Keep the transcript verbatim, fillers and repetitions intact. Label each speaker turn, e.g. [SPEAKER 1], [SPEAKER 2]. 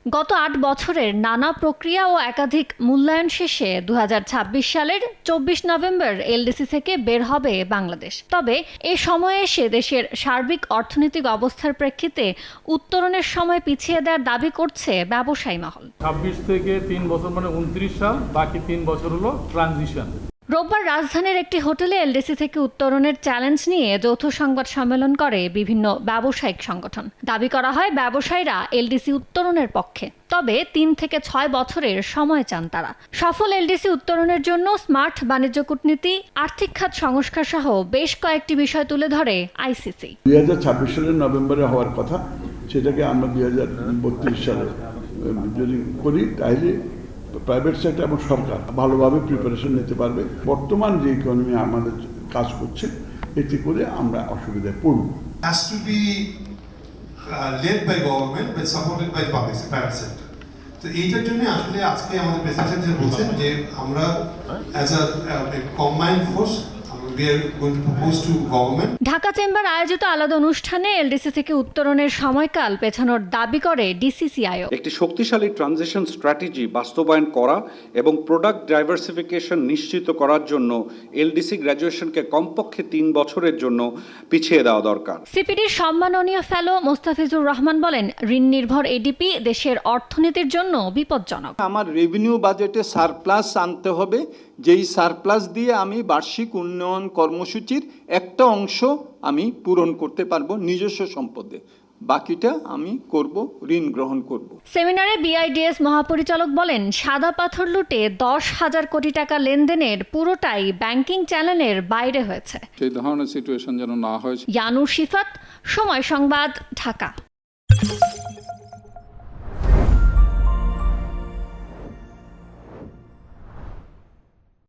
[SPEAKER 1] গত আট বছরের নানা প্রক্রিয়া ও একাধিক মূল্যায়ন শেষে দু হাজার ছাব্বিশ সালের চব্বিশ নভেম্বর এলডিসি থেকে বের হবে বাংলাদেশ। তবে এ সময়ে এসে দেশের সার্বিক অর্থনৈতিক অবস্থার প্রেক্ষিতে উত্তরণের সময় পিছিয়ে দেওয়ার দাবি করছে ব্যবসায়ী মহল।
[SPEAKER 2] ছাব্বিশ থেকে তিন বছর মানে উনত্রিশ সাল, বাকি তিন বছর হলো ট্রানজিশন।
[SPEAKER 1] রোববার রাজধানীর একটি হোটেলে এলডিসি থেকে উত্তরণের চ্যালেঞ্জ নিয়ে যৌথ সংবাদ সম্মেলন করে বিভিন্ন ব্যবসায়িক সংগঠন। দাবি করা হয় ব্যবসায়ীরা এলডিসি উত্তরণের পক্ষে, তবে তিন থেকে ছয় বছরের সময় চান তারা। সফল এলডিসি উত্তরণের জন্য স্মার্ট বাণিজ্য কূটনীতি, আর্থিক খাত সংস্কার সহ বেশ কয়েকটি বিষয় তুলে ধরে আইসিসি।
[SPEAKER 3] দুই হাজার ছাব্বিশ সালের নভেম্বরে হওয়ার কথা, সেটাকে আমরা দুই হাজার বত্রিশ সালে যদি করি তাহলে প্রাইভেট সেক্টর এবং সরকার ভালোভাবে প্রিপারেশন নিতে পারবে। বর্তমান যে ইকোনমি আমাদের কাজ করছে, এতে করে আমরা অসুবিধায় পড়ব।
[SPEAKER 4] Has to be uh, led by government but supported by public private sector. তো এইটার জন্য আসলে আজকে আমাদের প্রেসিডেন্ট যে বলছেন যে আমরা as a combined force we are going to propose to government.
[SPEAKER 1] Dhaka chamber আয়োজিত আলাদা অনুষ্ঠানে এলডিসি থেকে উত্তরণের সময়কাল পেছানোর দাবি করে ডিসিসিআইও।
[SPEAKER 5] একটি শক্তিশালী ট্রানজিশন স্ট্র্যাটেজি বাস্তবায়ন করা এবং প্রোডাক্ট ডাইভার্সিফিকেশন নিশ্চিত করার জন্য এলডিসি গ্র্যাজুয়েশনকে কমপক্ষে তিন বছরের জন্য পিছিয়ে দেওয়া দরকার।
[SPEAKER 1] সিপিডির সম্মাননীয় ফেলো মোস্তাফিজুর রহমান বলেন, ঋণ নির্ভর এডিপি দেশের অর্থনীতির জন্য বিপজ্জনক।
[SPEAKER 6] আমার রেভিনিউ বাজেটে সারপ্লাস আনতে হবে, যেই সারপ্লাস দিয়ে আমি বার্ষিক উন্নয়ন কর্মসূচির একটা অংশ আমি পূরণ করতে পারবো নিজস্ব সম্পদে, বাকিটা আমি করব, ঋণ গ্রহণ করব।
[SPEAKER 1] সেমিনারে বিআইডিএস মহাপরিচালক বলেন, সাদা পাথর লুটে দশ হাজার কোটি টাকা লেনদেনের পুরোটাই ব্যাংকিং চ্যানেলের বাইরে হয়েছে।
[SPEAKER 7] সেই ধরনের সিচুয়েশন যেন না হয়।
[SPEAKER 1] ইয়ানুর শিফাত, সময় সংবাদ, ঢাকা।